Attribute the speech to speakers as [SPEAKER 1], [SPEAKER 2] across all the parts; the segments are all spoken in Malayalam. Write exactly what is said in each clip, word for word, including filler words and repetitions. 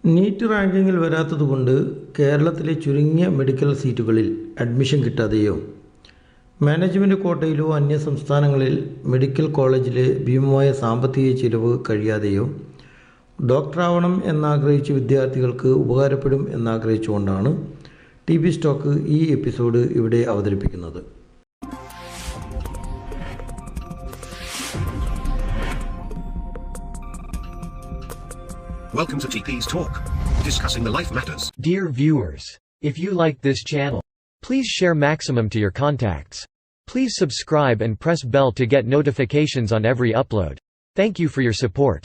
[SPEAKER 1] നീറ്റ് റാങ്കിങ്ങിൽ വരാത്തതുകൊണ്ട് കേരളത്തിലെ ചുരുങ്ങിയ മെഡിക്കൽ സീറ്റുകളിൽ അഡ്മിഷൻ കിട്ടാതെയോ മാനേജ്മെൻറ്റ് കോട്ടയിലോ അന്യ സംസ്ഥാനങ്ങളിൽ മെഡിക്കൽ കോളേജിലെ ഭീമമായ സാമ്പത്തിക ചിലവ് കഴിയാതെയോ ഡോക്ടറാവണം എന്നാഗ്രഹിച്ച വിദ്യാർത്ഥികൾക്ക് ഉപകാരപ്പെടും എന്നാഗ്രഹിച്ചുകൊണ്ടാണ് ടി ബി സ്റ്റോക്ക് ഈ എപ്പിസോഡ് ഇവിടെ അവതരിപ്പിക്കുന്നത്.
[SPEAKER 2] Welcome to T P's Talk, discussing the life matters.
[SPEAKER 3] Dear viewers, if you like this channel, please share maximum to your contacts. Please subscribe and press bell to get notifications on every upload. Thank you for your support.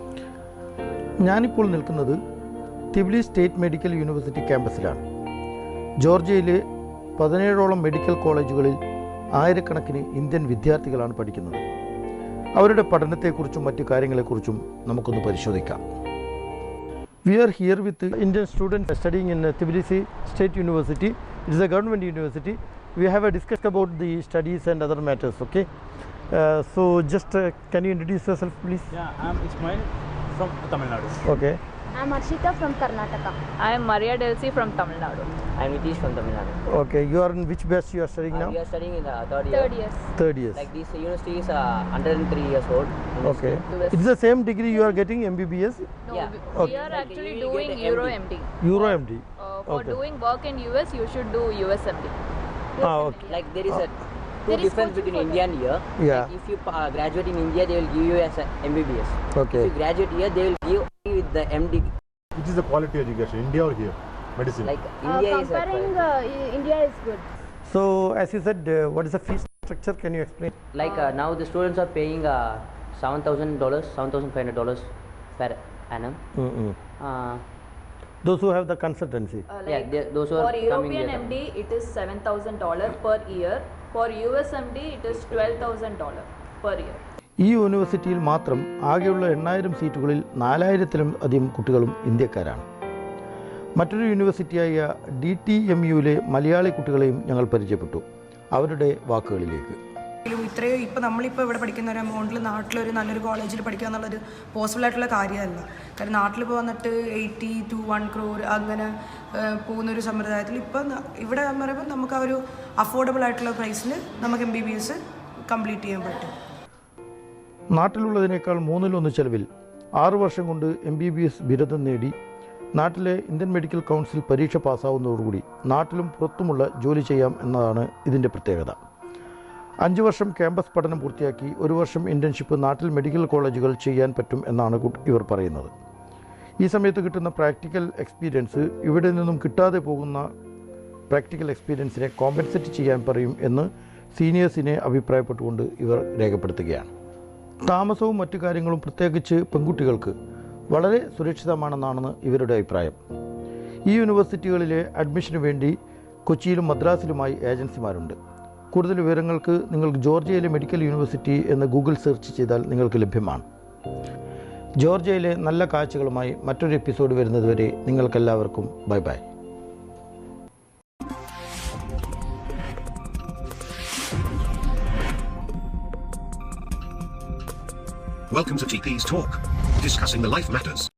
[SPEAKER 1] ഞാനിപ്പോൾ നിൽക്കുന്നത് തിബ്ലി സ്റ്റേറ്റ് മെഡിക്കൽ യൂണിവേഴ്സിറ്റി ക്യാമ്പസിലാണ്. ജോർജിയയിലെ പതിനേഴോളം മെഡിക്കൽ കോളേജുകളിൽ ആയിരക്കണക്കിന് ഇന്ത്യൻ വിദ്യാർത്ഥികളാണ് പഠിക്കുന്നത്. അവരുടെ പഠനത്തെക്കുറിച്ചും മറ്റു കാര്യങ്ങളെക്കുറിച്ചും നമുക്കൊന്ന് പരിശോധിക്കാം. We are here with Indian students studying in Tbilisi State University. It is a government university. We have a discussion about the studies and other matters. Okay. Uh, so just uh, can you introduce yourself, please?
[SPEAKER 4] Yeah, I'm Ismail from Tamil Nadu.
[SPEAKER 1] Okay.
[SPEAKER 5] I'm Arshita from Karnataka.
[SPEAKER 6] I am Maria Delsi from Tamil Nadu.
[SPEAKER 7] I am Nitish from Tamil Nadu.
[SPEAKER 1] Okay. You are in which batch you are studying
[SPEAKER 7] uh,
[SPEAKER 1] now?
[SPEAKER 7] We are studying in the third year.
[SPEAKER 6] Third years.
[SPEAKER 1] Third years.
[SPEAKER 7] Like this university is uh, one hundred three years old.
[SPEAKER 1] Okay. It's the same degree you are getting M B B S?
[SPEAKER 6] No,
[SPEAKER 7] Yeah.
[SPEAKER 6] we,
[SPEAKER 1] Okay.
[SPEAKER 6] we are
[SPEAKER 7] Like
[SPEAKER 6] actually
[SPEAKER 7] you will
[SPEAKER 6] doing
[SPEAKER 7] get
[SPEAKER 6] Euro
[SPEAKER 7] M D.
[SPEAKER 6] M D.
[SPEAKER 1] Euro M D.
[SPEAKER 6] Uh, for
[SPEAKER 1] Okay.
[SPEAKER 6] doing work in U S, you should do U S M D.
[SPEAKER 1] Ah, okay.
[SPEAKER 7] Like there is a two
[SPEAKER 6] There is
[SPEAKER 7] difference
[SPEAKER 6] coaching
[SPEAKER 7] between
[SPEAKER 6] for
[SPEAKER 7] India and here.
[SPEAKER 1] Yeah.
[SPEAKER 7] Like if you uh, graduate in India, they will give you as a M B B S.
[SPEAKER 1] Okay.
[SPEAKER 7] If you graduate here, they will give you with the M D.
[SPEAKER 8] Which is the quality education, India or here? Medicine.
[SPEAKER 7] Like
[SPEAKER 5] Uh,
[SPEAKER 7] India is
[SPEAKER 5] comparing
[SPEAKER 7] a,
[SPEAKER 5] uh, I- India is good.
[SPEAKER 1] So as you said, uh, what is the fee structure? Can you explain?
[SPEAKER 7] like uh, now the students are paying uh, seven thousand dollars, seven thousand five hundred dollars per annum.
[SPEAKER 1] Mm-mm.
[SPEAKER 7] Uh,
[SPEAKER 1] Those who have the consultancy.
[SPEAKER 6] Uh,
[SPEAKER 7] yeah,
[SPEAKER 6] like
[SPEAKER 7] they, those who are
[SPEAKER 6] for
[SPEAKER 7] coming
[SPEAKER 6] European
[SPEAKER 7] here.
[SPEAKER 6] M D, it is seven thousand dollars per year. For U S M D, it is twelve thousand dollars per year.
[SPEAKER 1] ഈ യൂണിവേഴ്സിറ്റിയിൽ മാത്രം ആകെയുള്ള എണ്ണായിരം സീറ്റുകളിൽ നാലായിരത്തിലും അധികം കുട്ടികളും ഇന്ത്യക്കാരാണ്. മറ്റൊരു യൂണിവേഴ്സിറ്റിയായ ഡി ടി എം യുവിലെ മലയാളി കുട്ടികളെയും ഞങ്ങൾ പരിചയപ്പെട്ടു. അവരുടെ വാക്കുകളിലേക്ക്.
[SPEAKER 9] ഇത്രയും ഇപ്പോൾ നമ്മളിപ്പോൾ ഇവിടെ പഠിക്കുന്ന ഒരു എമൗണ്ടിൽ നാട്ടിലൊരു നല്ലൊരു കോളേജിൽ പഠിക്കുക എന്നുള്ളൊരു പോസിബിൾ ആയിട്ടുള്ള കാര്യമല്ല. കാരണം നാട്ടിൽ ഇപ്പോൾ വന്നിട്ട് എയ്റ്റി ടു വൺ ക്രോർ അങ്ങനെ പോകുന്നൊരു സമ്പ്രദായത്തിൽ ഇപ്പം ഇവിടെ എന്ന് പറയുമ്പോൾ നമുക്ക് ആ ഒരു അഫോർഡബിൾ ആയിട്ടുള്ള പ്രൈസിൽ നമുക്ക് M B B S complete ചെയ്യാൻ പറ്റും.
[SPEAKER 1] നാട്ടിലുള്ളതിനേക്കാൾ മൂന്നിലൊന്ന് ചെലവിൽ ആറു വർഷം കൊണ്ട് എം ബി ബി എസ് ബിരുദം നേടി നാട്ടിലെ ഇന്ത്യൻ മെഡിക്കൽ കൗൺസിൽ പരീക്ഷ പാസ്സാവുന്നതോടുകൂടി നാട്ടിലും പുറത്തുമുള്ള ജോലി ചെയ്യാം എന്നതാണ് ഇതിൻ്റെ പ്രത്യേകത. അഞ്ച് വർഷം ക്യാമ്പസ് പഠനം പൂർത്തിയാക്കി ഒരു വർഷം ഇൻറ്റേൺഷിപ്പ് നാട്ടിൽ മെഡിക്കൽ കോളേജുകൾ ചെയ്യാൻ പറ്റും എന്നാണ് ഇവർ പറയുന്നത്. ഈ സമയത്ത് കിട്ടുന്ന പ്രാക്ടിക്കൽ എക്സ്പീരിയൻസ് ഇവിടെ നിന്നും കിട്ടാതെ പോകുന്ന പ്രാക്ടിക്കൽ എക്സ്പീരിയൻസിനെ കോമ്പൻസേറ്റ് ചെയ്യാൻ പറയും എന്ന് സീനിയേഴ്സിനെ അഭിപ്രായപ്പെട്ടുകൊണ്ട് ഇവർ രേഖപ്പെടുത്തുകയാണ്. താമസവും മറ്റു കാര്യങ്ങളും പ്രത്യേകിച്ച് പെൺകുട്ടികൾക്ക് വളരെ സുരക്ഷിതമാണെന്നാണ് ഇവരുടെ അഭിപ്രായം. ഈ യൂണിവേഴ്സിറ്റികളിലെ അഡ്മിഷന് വേണ്ടി കൊച്ചിയിലും മദ്രാസിലുമായി ഏജൻസിമാരുണ്ട്. കൂടുതൽ വിവരങ്ങൾക്ക് നിങ്ങൾക്ക് ജോർജിയയിലെ മെഡിക്കൽ യൂണിവേഴ്സിറ്റി എന്ന് ഗൂഗിൾ സെർച്ച് ചെയ്താൽ നിങ്ങൾക്ക് ലഭ്യമാണ്. ജോർജിയയിലെ നല്ല കാഴ്ചകളുമായി മറ്റൊരു എപ്പിസോഡ് വരുന്നതുവരെ നിങ്ങൾക്കെല്ലാവർക്കും bye bye.
[SPEAKER 2] Welcome to T P's Talk, discussing the life matters.